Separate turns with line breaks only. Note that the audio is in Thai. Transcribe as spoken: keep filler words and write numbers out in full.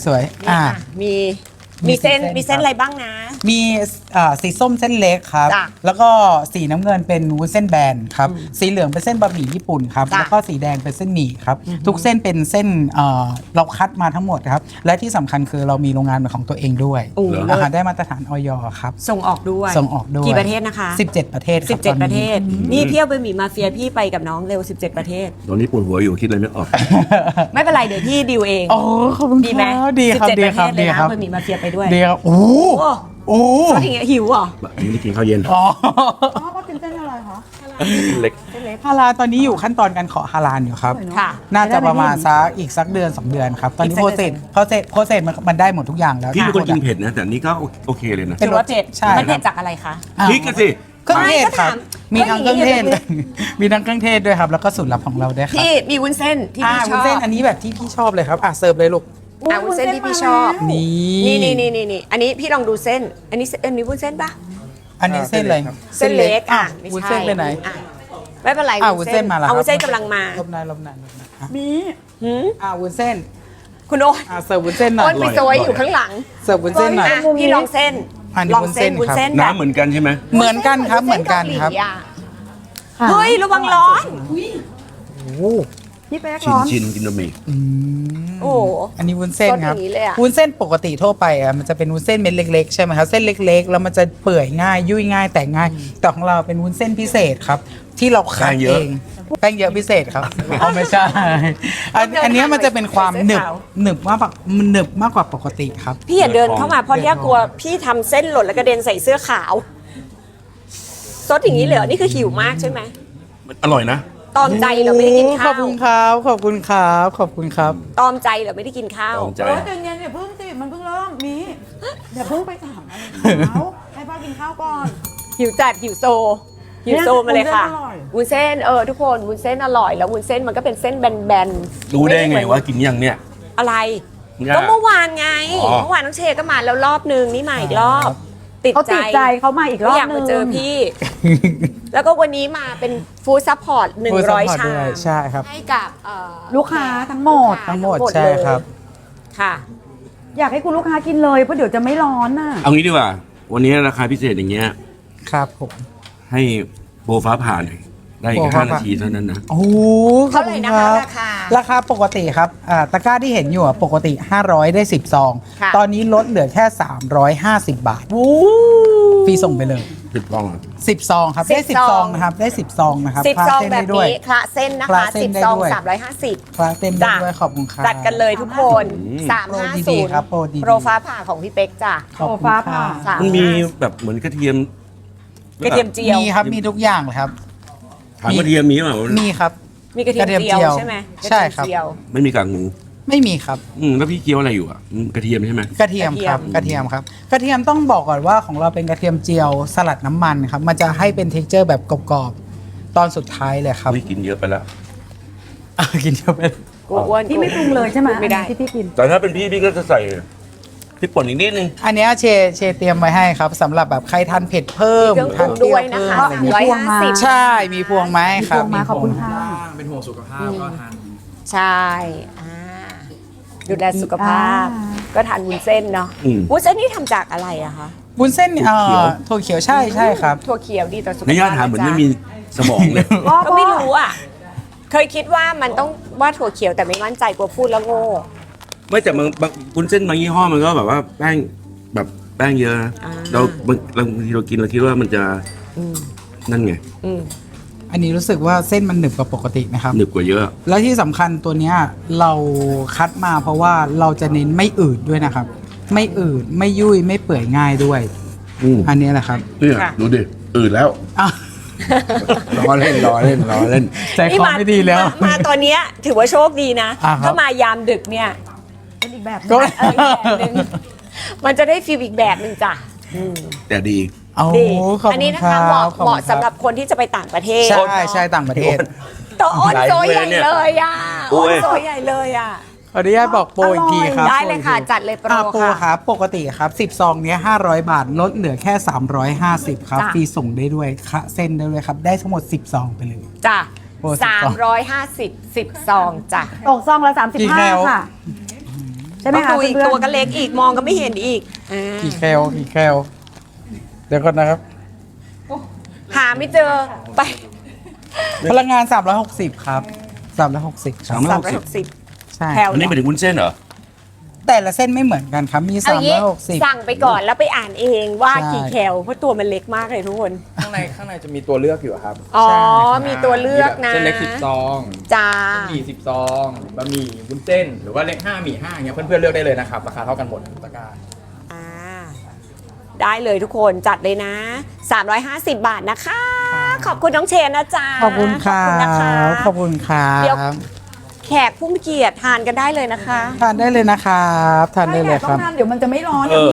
สวยอ่า
มีมีเส้นมีเส้นอะไรบ้างนะ
มีอ่าสีส้มเส้นเล็กครับ
จ้ะ
แล้วก็สีน้ำเงินเป็นวุ้นเส้นแบนครับสีเหลืองเป็นเส้นบะหมี่ญี่ปุ่นครับ
จ้ะ
แล้วก็สีแดงเป็นเส้นหมี่ครับทุกเส้นเป็นเส้นเอ่อเราคัดมาทั้งหมดครับและที่สำคัญคือเรามีโรงงานเป็นของตัวเองด้วย
โอ้โห
อาหารได้มาตรฐานออยครับ
ส่งออกด้วย
ส่งออกด้วย
กี่ประเทศนะคะ
สิบเจ็ดประเทศค
สิ
รั
บบ เจ็ด
ตอนนี้
ประเทศ นี่เที่ยวไปหมีมาเฟียพี่ไปกับน้องเร็วสิบเจ็ดประเทศ
ตอนนี้ปวดหัวอยู่คิดอะไรไม่ออก
ไม่เป็นไรเดี๋ยวพี่ดิวเอง
โอ้ขอบคุณ
ดีไหม
ครับดีครับ
สิบ
ดี
เจ็ด
ครับ
ประเทศเล
ดี
ยนะครับ ไปหมีมาเฟียไปด้วย
ดีครับโอ้
โอ้
โอ้
ก็อย่างเงี้ยหิวเหรอ
ไม่ได้กินข้าวเย็น
อ๋อ
อ๋อก็กินเส้นอะไรคะ
เล็ก
ฮาลาลตอนนี้อยู่ขั้นตอนการขอฮาลาลอยู่ครับ
ค่ะ
น่าจะประมาณสักอีกสักเดือนสองเดือนครับ ตอนนี้
อีก
โป
สั
ร
ก
เซ
เดื
ส
อน
โปรเซสโปรเซสมันมันได้หมดทุกอย่างแล้ว
พี่เป็นคนกิน
ทุ
เผ็ดนะ แต่อันนี้ก็โอเคเลยนะ
เป็น
ถือว่าเผ็ด
ใช่
มัน
ค
เผ็
รั
ด
บ
จากอะไรคะ
อ่า
พริกกันสิ
เครื่องเทศครับ
ไม่
มี
ก็
ทั้ง
ถาม
เครื่องเทศ
ก็อย่างนี้
มีทั้งเครื่องเทศด้วยครับ แล้วก็สูตรลับของเราด้วยครับ
พี่มีวุ้นเส้นที่
อ่า
พี่ช
วุ้น
อบ
เส้นอันนี้แบบที่พี่ชอบเลยครับอ่ะเสิร์ฟเลยลูก
อ่าวุ้นเส้นที่พี่ชอบ
นี่
นี่นี่นี่นี่นี่อันนี้พี่ลองดูเส้น อันนี้เส้นอันนี้วุ้นเส้นปะ
อันนี้เส้นอะไร
เส้นเล็กอ่ะ
วุ้นเส้นไปไหน
อ่ะไม่เป็นไร
อ่าวุ้นเส้นมาแล้ว
เอาวุ้นเส้นกำลังมา
ลบนายลบนายลบนายอ่ะ
มี
หืม
อ่าวุ้นเส้น
คุณโอ๊ต
อ่าเสิร์ฟวุ้นเส้นหน่อ
โอ๊
ย
ตไปโซยอยู่ข้างหลัง
เสิร์ฟวุ้นเส้นหน่อย
อ่ะพี่ลองเส้น
อันนี้
ลอง
วุ้นเส้
เส้น
น
วุ้น
ครับ
เส้นแบบ
น้ำเหมือนกันใช่ไหม
เหมือนกันครับเหมือนกันครับ
วุ้เส้เกาหลีอ่ะเฮ้ยระวังร้อน
พี่เป๊ก
ชิน
ร้อน
ชินกินบะหมี่
โอ้โห
อันนี้วุ้นเส้นครับ
ซดอย่างนี้เลยอะ
วุ้นเส้นปกติทั่วไปอ่ะมันจะเป็นวุ้นเส้นเม็ดเล็กๆใช่ไหมครับเส้นเล็ก ๆ แล้วมันจะเปื่อยง่าย ยุ่ยง่ายแต่ง่าย แต่ของเราเป็นวุ้นเส้นพิเศษครับ ที่เราคัดเองแป้งเยอะพิเศษครับเอาไม่ใช่อันอันเนี้ยมันจะเป็นความหนึบหนึบมากกว่ามันหนึบมากกว่าปกติครับ
พี่อย่าเดินเข้ามาเพราะเนี่ยกลัวพี่ทำเส้นหล่นแล้วกระเด็นใส่เสื้อขาวซดอย่างนี้เลยเหรอนี่คือหิวมากใช่ไหม
มันอร่อยนะ
ตอมใจเหราไม่ได้กิน
ข
ข้า
อบ
ว
คุณครับขอบคุณครับขอบคุณครับ
ตอมใจเหราไม่ได้กินข้าว
ตอมใจ
โอ้ยใจเย็นอย่าเพิ่งสิมันเพิ่งเริ่มมีอย่าเพิ่งไปถามอะไรเขาให้พ่อกินข้าวก่อน
หิวจัดหิวโซหิวโซมาเลยค่ะ
เนี่ย
วุ้นเส้นเออทุกคนวุ้นเส้นอร่อยแล้ววุ้นเส้นมันก็เป็นเส้นแบนๆ
รู้ได้ไง
ม่เหมือน
ว่ากินยังเนี่ย
อะไร
เนี่ย
ก็เมื่อวานไง
อ๋อ
เมื่อวานน้องเชก็มาแล้วรอบนึงนี่มาอีกรอบ ติด
เขา
ใจ
ติดใจเขามาอีกรอบ
อยาก
นึ
มาง เจอพี่ แล้วก็วันนี้มาเป็นฟู้ดซัพพอร์ตหนึ่งร้อย
Full support
ชา
ด้วยใช่ครับ
ให้กับเอ่อ
ลูกค้าทั้งหมด
ทั้งหมด
ทั้งหมด
ใช่
เลย
ครับ
ค่ะ
อยากให้คุณลูกค้ากินเลยเพราะเดี๋ยวจะไม่ร้อนน่ะ
เอางี้ดีกว่า วันนี้ราคาพิเศษอย่างเงี้ย
ครับผม
ให้โบฟ้าผ่าหน่อยได้อี
โบ
ก
ฟ้า
ห้า
ผ่า
นาทีเท่านั้นนะ
โอ้โหขอบ
เท่าไหร่
ณ
นะคะ
บ
ราคา
ราคาปกติครับอ่าตะกร้าที่เห็นอยู่อะปกติ ห้าร้อย ได้สิบซอง
ค่ะ
ตอนนี้ลดเหลือแค่ สามร้อยห้าสิบ บาทฟรีส่งไปเลย
ผิดฟองอ่ะ
สิบซองครับ ได้
สิ
สิ
บบ ซ
ซ
อ
อง งนะครับ ได้สิบซองนะครับ
สิบ
คลา
ซอง
เส้น
แบ
ได้
บ
ด้วย
นี้คละเส้นนะ
คละ
คะ
เส้น
สิบ
ได้
ซอง
ด้วย
สามร้อยห้าสิบ
คลาเส้นได้ด้วยขอบคุณครับ
จัดกันเลยทุกคน
อืม
สาม
โปร
ห้า
ดี
ศูนย์
ๆครับโปรดีๆ
โปรฟ้าผ่าของพี่เป๊กจ้ะ
ขอบคุณ
โอ้ฟ้า
ค
ผ่า
รับ
สาม
มันมี
ห้า
แบบเหมือนกระเทียม
กระเทียมเจียว
มีครับ มีทุกอย่างเลยครับ
ถามกระเทียมมีเปล่า
มีครับ
มีกระเทียม
กระเทียม
เจียว
เจียว
ใช่ไหม
ใช่ครับ
กะเทียมเจียว
ไม่มีกากหมู
ไม่มีครับ
อืมแล้วพี่เคี้ยวอะไรอยู่อ่ะอืมกระเทียมใช่ไหม
กระเทียมครับ กระเทียมครับ กระเทียมต้องบอกก่อนว่าของเราเป็นกระเทียมเจียวสลัดน้ำมันครับ มันจะให้เป็นเท็กเจอร์แบบกรอบๆ ตอนสุดท้ายเลยครับ
ไม่กินเยอะไปแล้ว
อ่ะกินเยอะไป
กูอ้วน
พี่ไม่ปรุงเลยใช่ไหม
ไม่ได้
อันนี้ที่พี่กิน
แต่ถ้าเป็นพี่พี่ก็จะใส่พริกป่นอีกนิดนึง
อันเนี้ยเชเชเตรียมไว้ให้ครับสำหรับแบบใครทานเผ็ดเพิ่ม
มีเครื่องปรุง
ทานเปรี้
ด้วย
ยว
นะ
เพิ่ม
คะ
อะไร
สาม
เงี้ย
ร้อยห้าสิบ
ใช่ มีพวงไม้ครับ
มีพวงไม้ขอบคุณค่ะ
เป็นห่วงสุขภาพก็ทาน
ใช่อ่าดูแลสุขภาพ
อ่า
ก็ทานวุ้นเส้นเนาะ
อืม
วุ้นเส้นนี่ทำจากอะไรอะคะ
วุ้นเส้นเอ่
ถั่วเขียว
อถั่วเขียวใช่ใช่ครับ
ถั่วเขียวดีต่อสุข
ใน
ภาพ
ย่าถามเหมือนไม่มีสมองเลย
พ่อ
ก็ไม่รู้อะเคยคิดว่ามันต้องว่าถั่วเขียวแต่ไม่มั่นใจกลัวพูดแล้วโง่
ไม่แต่บางบางวุ้นเส้นบางยี่ห้อมันก็แบบว่าแป้งแบบแป้งเยอะนะ
อ่า
เราบางบางทีเรากินเราคิดว่ามันจะ
อืม
นั่นไง
อืม
อันนี้รู้สึกว่าเส้นมันหนึบกว่าปกตินะครับ
หนึบกว่าเยอะ
แล้วที่สำคัญตัวเนี้ยเราคัดมาเพราะว่าเราจะเน้นไม่อืดด้วยนะครับ ไม่อืดไม่ยุ่ยไม่เปื่อยง่ายด้วย
อืม
อันนี้แหละครับ
เนี่ยดูดิอืดแล้ว
อ่ะ
รอเล่นรอเล่นรอเล่น
ใจคอไม่ดีแล้ว
มามาตอนเนี้ยถือว่าโชคดีนะ
อ่าครับ
ถ้ามายามดึกเนี่ย
เป็นอีกแบบหนึ
ก็
ง
เอออีกแบบหนึ่งมันจะได้ฟีลอีกแบบหนึ่งจ้ะอืม
แต่ดี
โอ้
ดี
ขอบ
อัน
คุ
นี้
ณ
นะ
ครั
คะ
บ
เหมาะ
ขอบ
เหมาะ
คุณค
สำหรับคนที่จะไปต่างประเทศ
ใช่ใช่ต่างประเทศ
ตัวอ้น
หลาย
โซใหญ่
เลยเนี่ย
เลยอ่ะ
โอ้
อ้น
ย
โซใหญ่เลยอ่ะ
ขออนุญาตบอกโปรอีกทีครับ
ได้เลยค่ะ
โปรอีกที
จัดเลยโปร
อ่าโปร
ค่ะ
ครับปกติครับสิบซองเนี้ยห้าร้อยบาทลดเหลือแค่สามร้อยห้าสิบครับ
จ้ะ
ฟรีส่งได้ด้วยคะเส้นได้ด้วยครับ ได้ทั้งหมดสิบซองไปเลย
จ้ะ
โปรสิบ
สามร้อยห้าสิบสิบซองจ้ะ
ตกซองละสามสิบ
กี่
ห้า
แคล
ค่ะใช่ไหม
ต้อง
คะ
ดูอีก
เพื่อนๆ
ตัวก็เล็กอีกมองก็ไม่เห็นอีกอ่า
กี่แคลกี่แคลเดี๋ยวก่อนนะครับ
หาไม่เจอไป
พลังงาน สามร้อยหกสิบ ครับสามร้อยหกสิบครับ
สามร้
สา
อ
ม
ย
ร้อยหกสิบ
ใช่
แถว
อันนี้ไปถึงวุ้นเส้นเหรอ
แต่ละเส้นไม่เหมือนกันครับ มี
เอางี้
สามร้อยหกสิบ
สั่งไปก่อนแล้วไปอ่านเองว่า
ใช่
กี่แคลเพราะตัวมันเล็กมากเลยทุกคน
ข้างในข้างในจะมีตัวเลือกอยู่ครับ
อ๋อ
ใช่
มีตัวเลือกนะ
เส้นเล็กสิบซอง
จ้า
หมี่สิบซองบะหมี่วุ้นเส้น หรือว่าเล็กห้าหมี่ห้าอย่างเงี้ยเพื่อนๆเลือกได้เลยนะครับ ราคาเท่ากันหมดทุกตะกร้า
อ่า ได้เลยทุกคนจัดเลยนะ สามร้อยห้าสิบ บาทนะคะ ขอบคุณน้องเชนนะจ๊ะ
ขอบคุณครั
ขอบคุณนะคะ
บขอบคุณครั
เดี๋ยว
บ
แขกผู้มีเกียรติทานกันได้เลยนะคะ
ทานได้เลยนะครับทานได้เลยค
ต้
รั
อบ งทำเดี๋ยวมันจะไม่ร้อน
เออ